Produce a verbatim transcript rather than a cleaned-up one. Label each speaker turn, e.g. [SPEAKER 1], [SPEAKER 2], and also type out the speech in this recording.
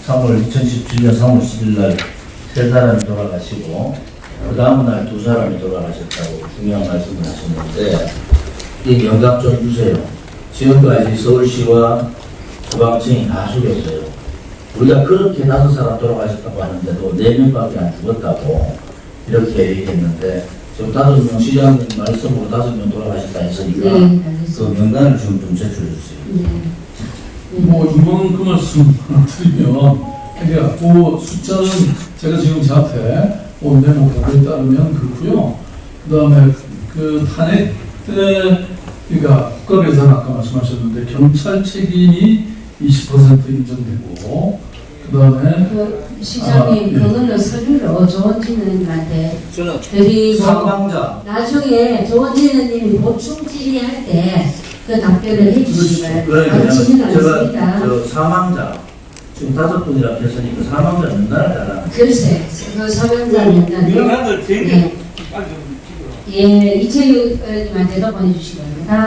[SPEAKER 1] 삼월 이천십칠 년 삼월 십일 날 세 사람이 돌아가시고 그 다음 날 두 사람이 돌아가셨다고 중요한 말씀을 하셨는데 이 명답 좀 주세요. 지금까지 서울시와 소방청이 다 속였어요. 우리가 그렇게 다섯 사람 돌아가셨다고 하는데도 네 명밖에 안 죽었다고 이렇게 얘기했는데 지금 다섯 명 시장님 말씀으로 다섯 명 돌아가셨다 했으니까
[SPEAKER 2] 네,
[SPEAKER 1] 그 명단을 지금 좀 제출해 주세요.
[SPEAKER 2] 네.
[SPEAKER 3] 뭐 이번 그 말씀 하나 드리면 그러니까 그 숫자는 제가 지금 제 앞에 온 메모 보고에 따르면 그렇고요. 그 다음에 그 탄핵 때 그러니까 국가배상 아까 말씀하셨는데 경찰 책임이 이십 퍼센트 인정되고 그 다음에
[SPEAKER 2] 그 시장님,
[SPEAKER 3] 아, 예.
[SPEAKER 2] 그거는 서류로 조원진님한테
[SPEAKER 1] 저는
[SPEAKER 2] 드리고
[SPEAKER 1] 사망자
[SPEAKER 2] 나중에 조원진님이 보충 질의할 때 그 답변을 해주시면
[SPEAKER 1] 그러니까
[SPEAKER 2] 가르치지는
[SPEAKER 1] 제가
[SPEAKER 2] 않습니다.
[SPEAKER 1] 저 사망자 지금 다섯 분이라 했으니까 사망자 명단을 달라는
[SPEAKER 2] 글쎄, 그 사명자 명단
[SPEAKER 4] 명단을
[SPEAKER 2] 네. 예, 이채유님한테도 보내주시기 바랍니다.